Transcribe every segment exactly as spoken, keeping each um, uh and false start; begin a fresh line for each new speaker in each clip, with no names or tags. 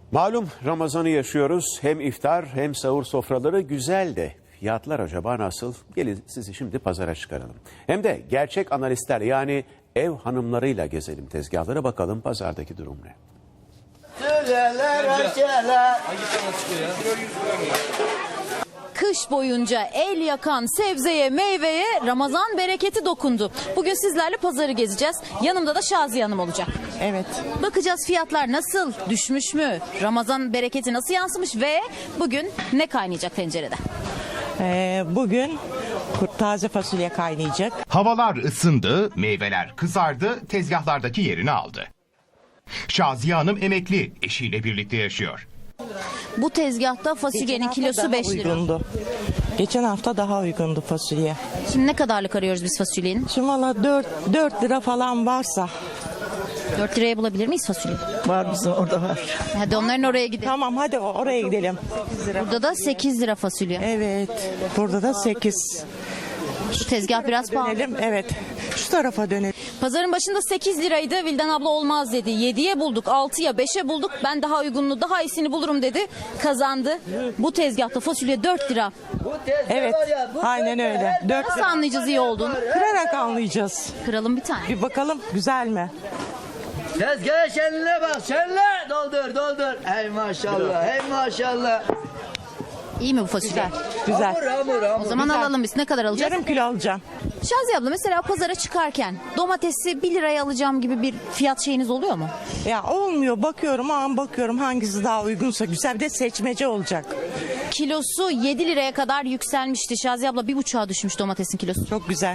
Malum Ramazan'ı yaşıyoruz. Hem iftar hem sahur sofraları güzel de fiyatlar acaba nasıl? Gelin sizi şimdi pazara çıkaralım. Hem de gerçek analistler yani ev hanımlarıyla gezelim tezgahlara, bakalım pazardaki durum ne?
Kış boyunca el yakan sebzeye, meyveye Ramazan bereketi dokundu. Bugün sizlerle pazarı gezeceğiz. Yanımda da Şaziye Hanım olacak.
Evet.
Bakacağız fiyatlar nasıl, düşmüş mü, Ramazan bereketi nasıl yansımış ve bugün ne kaynayacak tencerede?
Ee, bugün kurt taze fasulye kaynayacak.
Havalar ısındı, meyveler kızardı, tezgahlardaki yerini aldı. Şaziye Hanım emekli, eşiyle birlikte yaşıyor.
Bu tezgahta fasulyenin kilosu beş lira.
Uygundu. Geçen hafta daha uygundu fasulye.
Şimdi ne kadarlık arıyoruz biz fasulyenin?
Şimdi valla dört lira falan varsa.
dört liraya bulabilir miyiz fasulye?
Var bizim orada var.
Hadi onların oraya gidelim.
Tamam hadi oraya gidelim.
Burada da sekiz lira fasulye.
Evet. Burada da sekiz.
Şu tezgah biraz pahalı.
Dönelim. Evet. Şu tarafa dönelim.
Pazarın başında sekiz liraydı. Vildan abla olmaz dedi. yediye bulduk, altıya, beşe bulduk. Ben daha uygununu, daha iyisini bulurum dedi. Kazandı. Bu tezgahta fasulye dört lira.
Evet. Aynen öyle. dört
Nasıl
lira.
anlayacağız iyi olduğunu?
Kırarak anlayacağız.
Kıralım bir tane.
Bir bakalım güzel mi?
Tezgaha şenline bak, şenle doldur doldur. Hey maşallah, hey maşallah.
İyi mi bu fasulye?
Güzel.
Hamur hamur hamur.
O zaman
Güzel.
alalım biz. Ne kadar alacağız?
Yarım kilo alacağım.
Şaziye abla mesela pazara çıkarken domatesi bir liraya alacağım gibi bir fiyat şeyiniz oluyor mu?
Ya olmuyor, bakıyorum an bakıyorum hangisi daha uygunsa güzel, bir de seçmece olacak.
Kilosu yedi liraya kadar yükselmişti. Şaziye abla bir buçuğa düşmüş domatesin kilosu.
Çok güzel.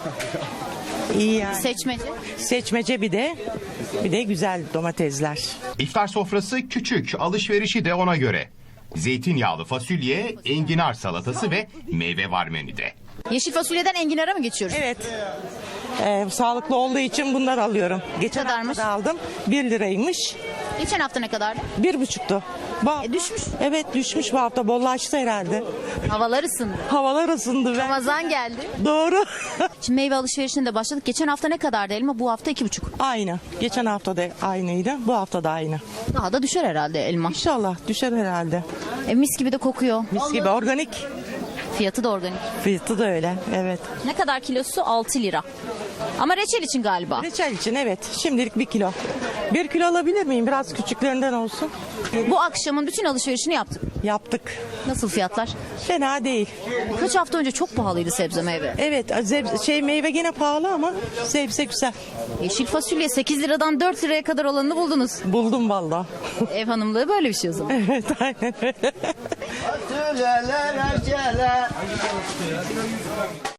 İyi yani.
Seçmece.
Seçmece bir de bir de güzel domatesler.
İftar sofrası küçük, alışverişi de ona göre. Zeytinyağlı fasulye, enginar salatası ve meyve var menüde.
Yeşil fasulyeden enginara mı geçiyoruz?
Evet. Ee, sağlıklı olduğu için bunlar alıyorum. Geçen
kadarmış?
hafta da aldım. Bir liraymış.
Geçen hafta ne kadardı?
Bir buçuktu. Bu-
E, düşmüş.
Evet düşmüş bu hafta. Bollaştı herhalde.
Havalar ısındı.
Havalar ısındı ve
Ramazan geldi.
doğru.
Şimdi meyve alışverişine de başladık. Geçen hafta ne kadardı elma? Bu hafta iki buçuk.
Aynı. Geçen hafta da aynıydı. Bu hafta da aynı.
Daha da düşer herhalde elma.
İnşallah düşer herhalde.
E, mis gibi de kokuyor.
Mis gibi organik.
Fiyatı da organik.
Fiyatı da öyle. Evet.
Ne kadar kilosu? altı lira. Ama reçel için galiba.
Reçel için evet. Şimdilik bir kilo. Bir kilo alabilir miyim? Biraz küçüklerinden olsun.
Bu akşamın bütün alışverişini yaptık.
Yaptık.
Nasıl fiyatlar?
Fena değil.
Kaç hafta önce çok pahalıydı sebze meyve.
Evet zeb- şey meyve gene pahalı ama sebze güzel.
Yeşil fasulye sekiz liradan dört liraya kadar olanını buldunuz.
Buldum valla.
Ev hanımlığı böyle bir şey o zaman.
Evet aynen öyle.
Fasulyeler, reçeler.